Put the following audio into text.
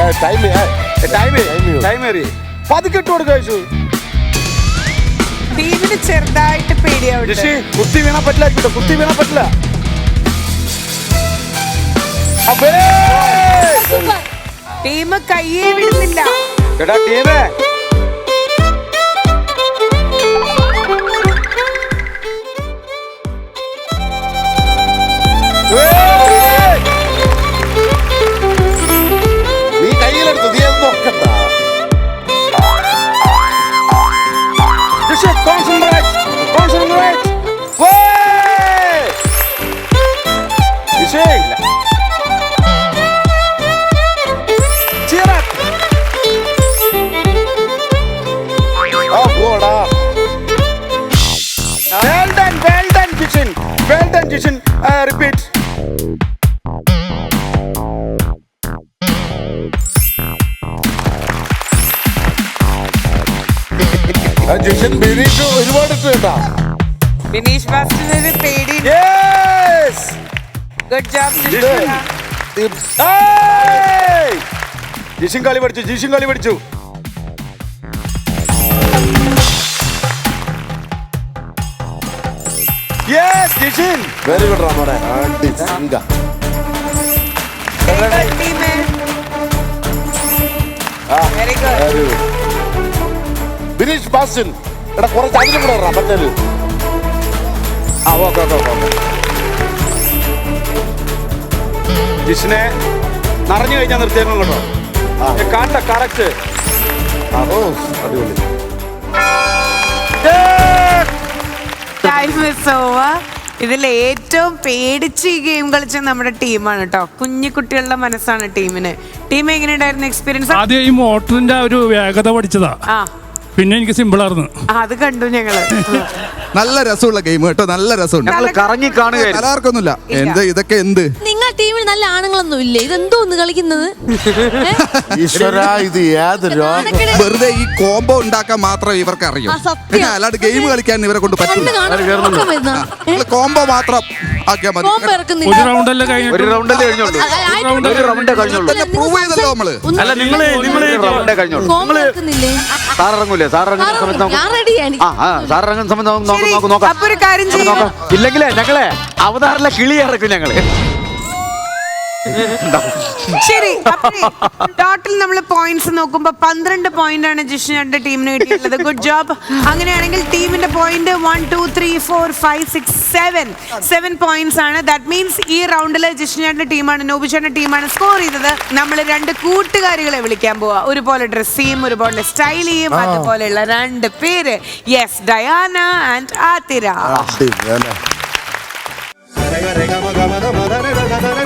പതുക്കിട്ട് കൊടുക്ക ടീമിന് ചെറുതായിട്ട് പേടിയാവും. കുത്തി വീണാ പറ്റില്ല, കുത്തി വീണാ പറ്റില്ല. ടീം കയ്യേ വിടുന്നില്ല. എടാ ടീമേ, നീ കയ്യിലെടുത്തു, നീ എന്ത് നോക്കണ്ട. Repeat. ഒരുപാട് ഇട്ട് കേട്ടാ. ബിനീഷ് ബാസ്റ്റിന് പേടി. ഗുഡ് ജോബ് ജിഷിൻ കളി പഠിച്ചു, ജിഷിൻ കളി പഠിച്ചു. Yes, Jishin. Very good, Ramare. Auntie Singa. Very good. Very good. Binish Basin. എടാ കുറച്ച് അതിലും കൂടെ ഇടാം മറ്റേല്. ഓക്കെ. ജിഷിനെ നിറഞ്ഞു കഴിഞ്ഞാൽ നിർത്തിയേക്കണം കേട്ടോ. കാണ്ട കറക്റ്റ്. അടിപൊളി. Time is over. ഇതിൽ ഏറ്റവും പേടിച്ച് ഈ ഗെയിം കളിച്ച നമ്മുടെ ടീമാണ് കേട്ടോ. കുഞ്ഞു കുട്ടികളുടെ മനസ്സാണ് ടീമിന്. ടീം എങ്ങനെയുണ്ടായിരുന്നു എക്സ്പീരിയൻസ്? ആദ്യം ഈ മോട്ടറിന്റെ ഒരു വേഗത പഠിച്ചതാ, പിന്നെ എനിക്ക് സിമ്പിൾ ആയിരുന്നു. അത് കണ്ടു ഞങ്ങള്. നല്ല രസമുള്ള ഗെയിം കേട്ടോ, നല്ല രസമുണ്ട്. കറങ്ങി കാണുക കലാർക്കൊന്നുമില്ല. എന്ത് ഇതൊക്കെ എന്ത് നിങ്ങൾ ടീമിൽ നല്ല ആണുങ്ങളൊന്നും ഇല്ലേ? ഇതെന്തോന്ന് കളിക്കുന്നത്? ഈശ്വര, ഇത് ഏത് രോഗം? വെറുതെ ഈ കോംബോ ഉണ്ടാക്കാൻ മാത്രം ഇവർക്ക് അറിയും, അല്ലാണ്ട് ഗെയിം കളിക്കാൻ ഇവരെ കൊണ്ട് പറ്റില്ല. കോംബോ മാത്രം ആക്കിയാൽ മതി. ഒരു റൗണ്ടല്ലേ കഴിഞ്ഞു, ഒരു റൗണ്ടല്ലേ കഴിഞ്ഞോളൂ. പ്രൂവ് ചെയ്തല്ലോ നമ്മള്. അല്ല നിങ്ങള് റൗണ്ടേ കഴിഞ്ഞോളൂ. സാറിറങ്ങൂലേ? സാറിറങ്ങുന്ന സമയത്ത് സാറിറങ്ങുന്ന സമയത്ത് നമുക്ക് നോക്കാം. അപ്പൊ ഒരു കാര്യം ചെയ്യാം, ഇല്ലെങ്കിലേ ഞങ്ങളെ അവതാറിലെ കിളി ഇറക്കും ഞങ്ങള്. ശരി. ടോട്ടൽ നമ്മൾ പോയിന്റ്സ് നോക്കുമ്പോ 12 പോയിന്റ് ആണ് ജിഷിന്റെ ടീമിന് കിട്ടിയിട്ടുള്ളത്. Good job. അങ്ങനെയാണെങ്കിൽ ടീമിന്റെ പോയിന്റ് 1 2 3 4 5 6 7 പോയിന്റ്സ് ആണ്. ദാറ്റ് മീൻസ് ഈ റൗണ്ടില് ജിഷിന്റെ ടീമാണ്, നോബിഷന്റെ ടീമാണ് സ്കോർ ചെയ്തത്. നമ്മൾ 2 കൂട്ടുകാരികളെ വിളിക്കാൻ പോവാ. ഒരുപോലെ ഡ്രസ് ചെയ്യും, ഒരുപോലെ സ്റ്റൈൽ ചെയ്യും, അതുപോലെയുള്ള 2 പേര്. Yes, Diana and Athira.